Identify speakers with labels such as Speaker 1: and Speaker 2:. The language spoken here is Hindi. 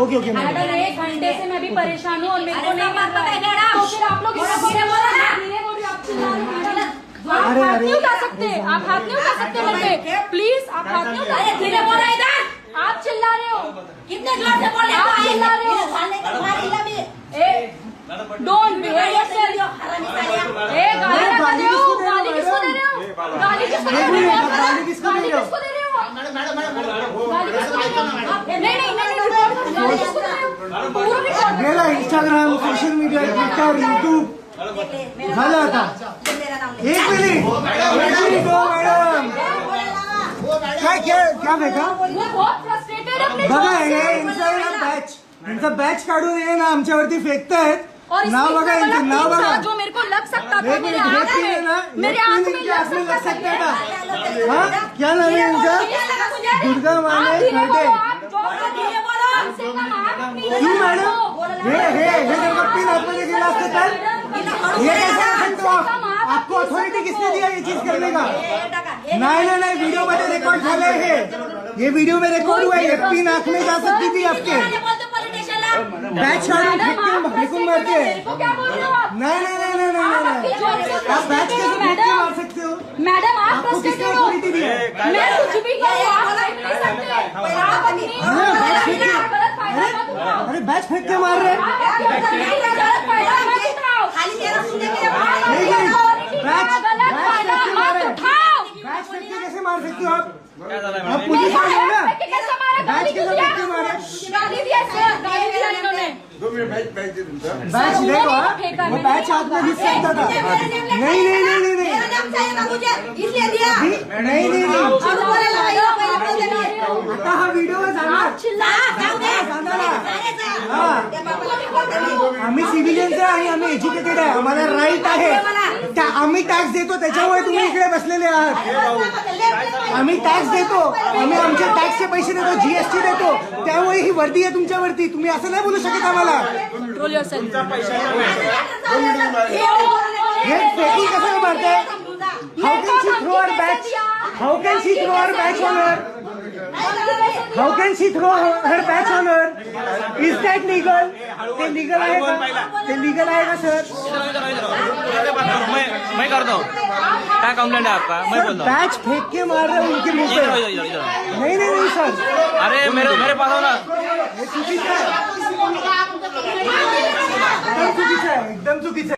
Speaker 1: ओके ओके
Speaker 2: मैडम 1 घंटे से मैं भी परेशान हूँ और मेरे को नहीं मिल रहा है, तो फिर आप लोग धीरे बोल रहे हैं, आप चिल्ला रहे हैं। आप हाथ नहीं उठा सकते, आप हाथ नहीं उठा सकते मेरे पे, प्लीज आप हाथ नहीं उठा सकते। धीरे बोल रहे हैं, आप चिल्ला रहे हो, कितने जोर से बोल रहे हो, आप चिल्ला रहे हो। Don't behave yourself. गाली ना दे हो, गाली किसको दे रहे हो, गाली किसको दे रहे हो, गाली किसको दे रहे हो, नहीं गाली किसको दे रहे हो, पूरा रिकॉर्ड
Speaker 1: मेरा Instagram, social media, Twitter, YouTube झालं आता। 1 मिनिट मैडम, काय क्या फेका
Speaker 2: बहुत फ्रस्ट्रेटेड है अपने
Speaker 1: बघा,
Speaker 2: job
Speaker 1: हे
Speaker 2: से।
Speaker 1: यांचा बॅच काढून हे ना आमच्यावरती फेकतायत।
Speaker 2: और इसमें
Speaker 1: नाव बघा,
Speaker 2: इतना बड़ा
Speaker 1: यांचं नाव
Speaker 2: pin था
Speaker 1: बघा।
Speaker 2: जो मेरे को लग सकता था,
Speaker 1: एक
Speaker 2: मेरे
Speaker 1: मिनिट,
Speaker 2: आँख
Speaker 1: हे pin है
Speaker 2: में
Speaker 1: ना,
Speaker 2: मेरे
Speaker 1: ये
Speaker 2: आँख
Speaker 1: pin
Speaker 2: में
Speaker 1: इनके
Speaker 2: लग
Speaker 1: हाथ में लग
Speaker 2: सकता
Speaker 1: सकता
Speaker 2: था।
Speaker 1: हाँ, क्या नाम है इनका? दुर्गा माने खर्डे। क्यों मैडम? हे जर का पिन आतमध्ये गेला असतं तर ये कैसे कर सकते हो आप? आपको अथॉरिटी किसने दिया ये चीज करने का? नहीं, वीडियो में रिकॉर्ड झाले है, ये वीडियो में रिकॉर्ड हुआ है। ये पिन आंख में जा सकती थी आपके, बैच काढून फेंकून मारते। नहीं, आप बैच कैसे फेंक के मार सकते हो?
Speaker 2: मैडम आप
Speaker 1: आपको किसने
Speaker 2: फ्रस्ट्रेटेड हो,
Speaker 1: अथॉरिटी दी है?
Speaker 2: मैं कुछ भी करूँ, आप नहीं सकते।
Speaker 1: अरे बैच फेंक के मार रहे हैं। बैच फेंक के कैसे मार सकते हो आप? आप पुलिस वाले हो ना? बैच कैसे फेंक के मारे? बैच देखो, वो बैच हाथ में घुस सकता था। नहीं, आता हा व्हिडिओ जाणार। आम्ही सिव्हिलियन्स आहे आणि आम्ही एज्युकेटेड आहे, आम्हाला राईट आहे। आम्ही टॅक्स देतो, त्याच्यामुळे तुम्ही इकडे बसलेले आहात। आम्ही टॅक्स देतो, आम्ही आमच्या टॅक्सचे पैसे देतो, जीएसटी देतो, त्यामुळे ही वर्दी आहे तुमच्यावरती। तुम्ही असं नाही बोलू शकत आम्हाला। हे फेकिंग कसं मारताय? How can she throw our batch? How can she throw our batch on her? How can she throw her batch on her? Is that legal? ते लीगल आहे का? ते लीगल आहे का सर?
Speaker 3: मैं करता हूँ, क्या कंप्लेंट है आपका? मैं बोलता हूँ।
Speaker 1: बैच फेंक के मार रहे हो उनके मुंह पे। नहीं सर,
Speaker 3: अरे मेरे पास हो ना।
Speaker 1: हे चुकीचं आहे, एकदम चुकीचं आहे, एकदम चुकीचं आहे।